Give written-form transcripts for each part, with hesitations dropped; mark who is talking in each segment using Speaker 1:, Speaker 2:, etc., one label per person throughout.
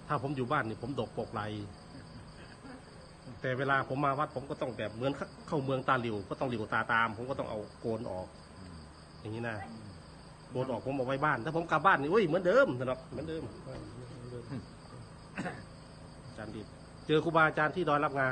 Speaker 1: ถ้าผมอยู่บ้านนี่ผมดกปกไหลแต่เวลาผมมาวัดผมก็ต้องแบบเหมือนเข้าเมืองตาหลิวก็ต้องหลิวตาตามผมก็ต้องเอาโกนออกอย่างนี้นะโกนออกผมเอาไว้บ้านถ้าผมกลับบ้านนี่อุ้ยเหมือนเดิมนะครับเหมือนเดิมอาจารย์ดิบเจอครูบาอาจารย์ที่ดอยรับงา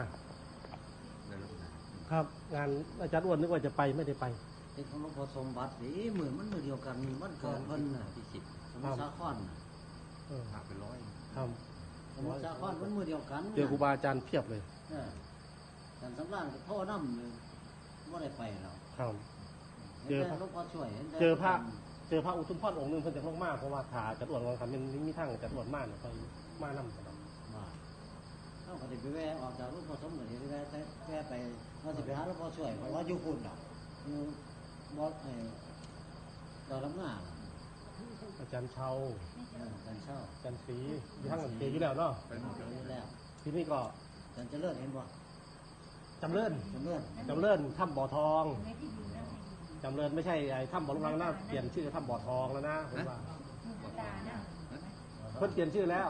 Speaker 1: ครับงานอาจารย์อ้วนนึกว่าจะไปไม่ได้ไป
Speaker 2: เป็นของหลวงพ่อสมบัติสิเหมือนมันมือเดียวกันมันเกิดเพิ่นน่ะที่10สมุทรสาคร
Speaker 3: หักไป100
Speaker 1: ครับ
Speaker 2: สมุทรสาครมันมือเดียวกัน
Speaker 1: เจอครูบาอาจารย์เพียบเลย
Speaker 2: แต่สำรานก็โทษน้ำเลยไม่ได้ไปหรอก
Speaker 1: ครับ
Speaker 2: เจอหลวงพ่อช่วย
Speaker 1: เจอพระอุทุมพรองค์นึงเพิ่นจะลงมากเพราะว่าขาจัดอ้วนของคำเป็นมีทั้งจัดอ้วนมากไปมานั่งตลอด
Speaker 2: เขาก็จะไปแวะออกจากหลวงพ่อสมเด็จไปแวะไปว่าจะไปหาหลวงพ่อช่วยเพราะว่าอยู่คุณหรอกอยู่บอสดอยลำงา
Speaker 1: อาจารย์เชา
Speaker 2: อาจารย์เช่า
Speaker 1: อาจารย์ศรีอยู่ทั้งเกอยู่แล้วเนาะ
Speaker 2: แล้ว
Speaker 1: ที่นี่ก็
Speaker 2: อาจารย์เจริญเห็นบ่
Speaker 1: จำเริญถ้ำบ่อทองจำเริญไม่ใช่ไอ้ถ้ำบ่อลุงรังนะเปลี่ยนชื่อถ้ำบ่อทองแล้วนะผมว่าเพิ่นเปลี่ยนชื่อแล้ว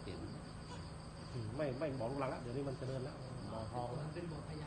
Speaker 1: ไม่บ่อลุงรังแล้วเดี๋ยวนี้มันเจริญแล้วบ่อทองเป็นบ่อพญา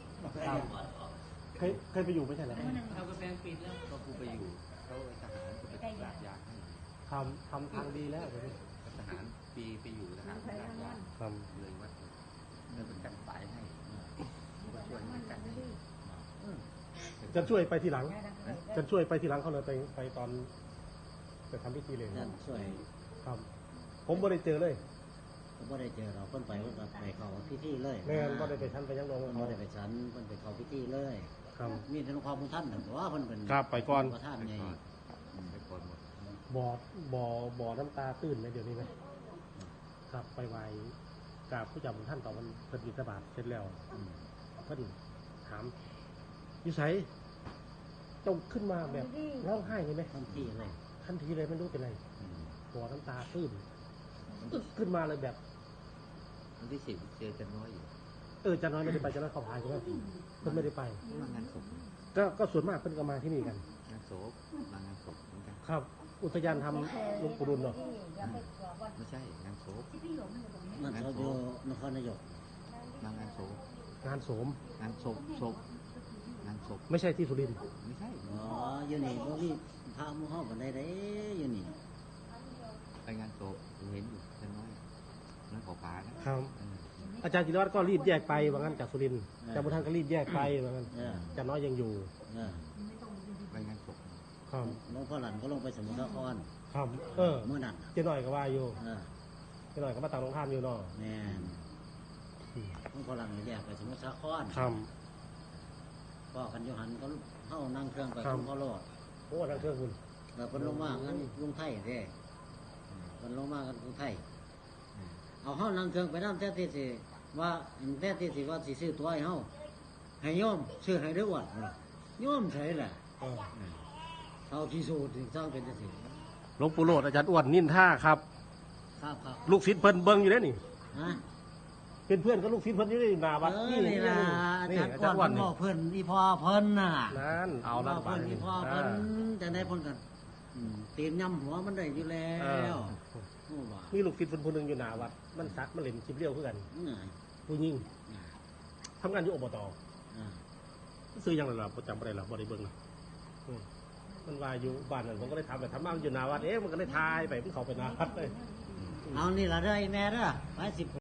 Speaker 1: เคยไปอยู่ไม่ใช่เหรอ
Speaker 3: เขาก็แปลงปิดแล้วก็กูไปอยู่เขาทหารก็ไปลาดยางให้
Speaker 1: ทำทางดีแล้วเลย
Speaker 3: ทหารไปอยู่ทหารลาดยางเลยวัดเลยเป็นกันสายให้ก็ช่วยกัน
Speaker 1: จะช่วยไปทีหลังจะช่วยไปทีหลังเขาเลยไปตอนไปทำพิธีเลย
Speaker 2: ช่วย
Speaker 1: ครับผมไม่ได้เจอเลย
Speaker 2: ไม่ได้เจอเราเพิ่นไปเพิ่นไปเขาพิธีเลย
Speaker 1: แม่ก็ได้ไปชั้นไปยังลง
Speaker 2: ไม่ได้ไปชั้นเพิ่นไปเขาพิธีเลย
Speaker 1: ครับ
Speaker 2: มีแต่ความมุ่งท่านแต่ว่าเพิ่นเป็น
Speaker 1: ครับไปก่อน
Speaker 2: ท่านใหญ่
Speaker 3: ไปก่อนหมด
Speaker 1: บ่อน้ำตาตื้นไหมเดี๋ยวนี้ไหมครับไปไหว้กราบผู้จำท่านต่อวันเพิ่นบิณฑบาตเสร็จแล้วเพิ่นถามอยู่ไสต้องขึ้นมาแบบร้องไห้เลยไหม
Speaker 2: ทันที
Speaker 1: เลยไม่รู้เป็นไรบ่อน้ำตาตื้นขึ้นมาเลยแบบ
Speaker 3: วันที่10เจอจันน้อยอยู่
Speaker 1: จันน้อยไม่ได้ไปจันน้อยเขาพายใช่ไหมเพิ่นไม่ได้ไป
Speaker 3: มางานศพ
Speaker 1: ก็ส่วนมากเพิ่นก็มาที่นี่กัน
Speaker 3: งานศพมางานศพเหมือนกัน
Speaker 1: ครับอุทยานทำหลวงปู่ดุลเนาะ
Speaker 3: ไม่ใช่งานศพ
Speaker 2: นั่นเขาอยู่นครนายก
Speaker 3: มางานศพ
Speaker 1: งานโสม
Speaker 3: งานศพงานศพ
Speaker 1: ไม่ใช่ที่สุรินทร์
Speaker 3: ไม่ใช่
Speaker 2: อยู่นี่บ่มีพระมุ่งห้องกันได้อยู่นี่
Speaker 3: ไปงานศพเห็นอยู่จันน้อยนั่นขอป่า
Speaker 1: นะครับอาจารย์จิรวัตรก็รีบแยกไปว่างั้นจากสุรินทร์อาจารย์บุญทันก็รีบแยกไปว่างั้นอาจารย์น้อยยังอยู่
Speaker 3: ไปงานศพ
Speaker 1: ครับ
Speaker 2: หลวงพ่อหลันก็ลงไปสมุทรสาคร
Speaker 1: ครับ
Speaker 2: เมื่อนั้น
Speaker 1: เจ้าหน่อยก็ว่าอยู่เจ้าหน่อยก็มาต่างโรงทานอยู่เนาะ
Speaker 2: แม่หลวงพ่อหลันนี่แยกไปสมุทรสาคร
Speaker 1: ครับ
Speaker 2: พ่อกันยูหันก็เข้านั่งเครื่องไปคุณพ่อโลด
Speaker 1: โอ้นั่งเครื่องคุณ
Speaker 2: แต่เป็นลงมากันลุงไทยเด้เป็นลงมากันลุงไทยเอาเฮานั่งเครื่องไปน้ำแท้ที่สิว่าแท้ที่สิว่าสิซื้อตัวให้เฮาให้โยมซื้อให้ด้วยว่าโยมใช่แหละเอาที่สูตรสร้างเป็นจังซี่
Speaker 1: หลวงปู่โลดอาจารย์อ้วนนินท่าครับลูกศิษย์เพิ่นเบิ่งอยู่แล้วนี่เป็นเพื่อนกับลูกศิษย์เพิ่นอยู่ในหน้าวัด
Speaker 2: นี่ล่ะอาจารย์อ้วนบอกเพิ่นอีพ่อเพิ่นน่ะ
Speaker 1: นั่นเอาละ
Speaker 2: เพิ่นอีพ่อเพิ่นจะได้เพิ่นกันตีนย่ำหัวมันได้อยู่แล้ว
Speaker 1: มีลูกศิษย์คนหนึ่งอยู่หน้าวัดมันซักมันเล่นชิบเลี้ยวเพื่อกันผู้ยิ่งทำงานอยู่อบตซื้อยังไงล่ะประจำอะไรล่ะบริเบิ้งมันว่าอยู่บ้านนั่นผมก็ได้ทำแบบทำบ้านอยู่หน้าวัดมันก็ได้ทายไปมันเข้าไปหน้าวัดเลย
Speaker 2: เอานี่ละเด้อแม่เด้อไป10